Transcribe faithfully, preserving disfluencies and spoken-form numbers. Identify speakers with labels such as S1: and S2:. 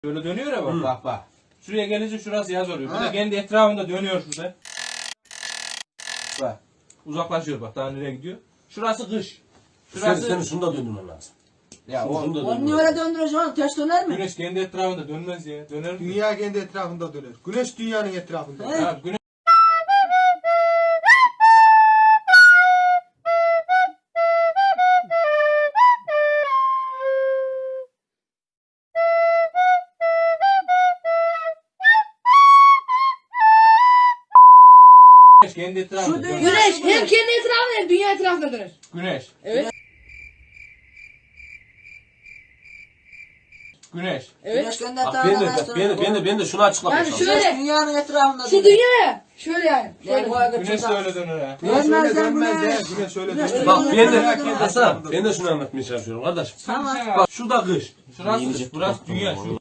S1: Böyle dönüyor ya bak
S2: Hı.
S1: bak bak. Şuraya gelince şurası yaz oluyor. Bu
S2: Ha.
S1: da kendi etrafında dönüyor şurada. Bak. Uzaklaşıyor bak daha nereye gidiyor. Şurası kış.
S2: Şurası... Senin şunu da döndürmen lazım.
S1: Ya
S2: Şunu,
S1: o
S2: şunu da
S3: Onu niye
S2: döndürmen
S3: öyle
S2: lazım.
S3: döndürüyorsun? Ters döner mi?
S1: güneş kendi etrafında dönmez ya. Döner mi?
S4: Dünya kendi etrafında döner. Güneş dünyanın etrafında.
S3: He.
S1: Ha, güneş Güneş kendi etrafında
S3: Şu
S1: dönmez.
S3: dünya-
S5: Güneş hem kendi etrafında hem dünya etrafında döner.
S1: Güneş.
S5: Evet.
S1: Güneş.
S5: Evet.
S3: Güneş kendi
S2: Bak ben de,
S3: etrafında
S2: bak, ben de, ben de, ben de şunu açıklamaya
S5: Yani
S2: çalışıyorum.
S5: şöyle-
S3: Güneş dünyanın etrafında
S5: Şu
S3: döner.
S5: dünya ya. Şöyle yani.
S3: Yani
S5: Şöyle.
S3: bu arada
S1: Güneş de
S3: çok-
S1: öyle döner ha.
S4: Güneş öyle
S3: Dönmez lan
S4: dönmez
S3: güneş.
S4: ya. Güneş öyle
S3: Güneş
S4: dönmez.
S2: Bak ben
S4: Dünya
S2: de,
S4: kendi
S2: Hasan,
S4: etrafında
S2: ben de şunu anlatmaya çalışıyorum kardeşim.
S3: Tamam.
S1: Bak
S2: Bak şurada kış.
S1: şurası kış, burası dünya. Şu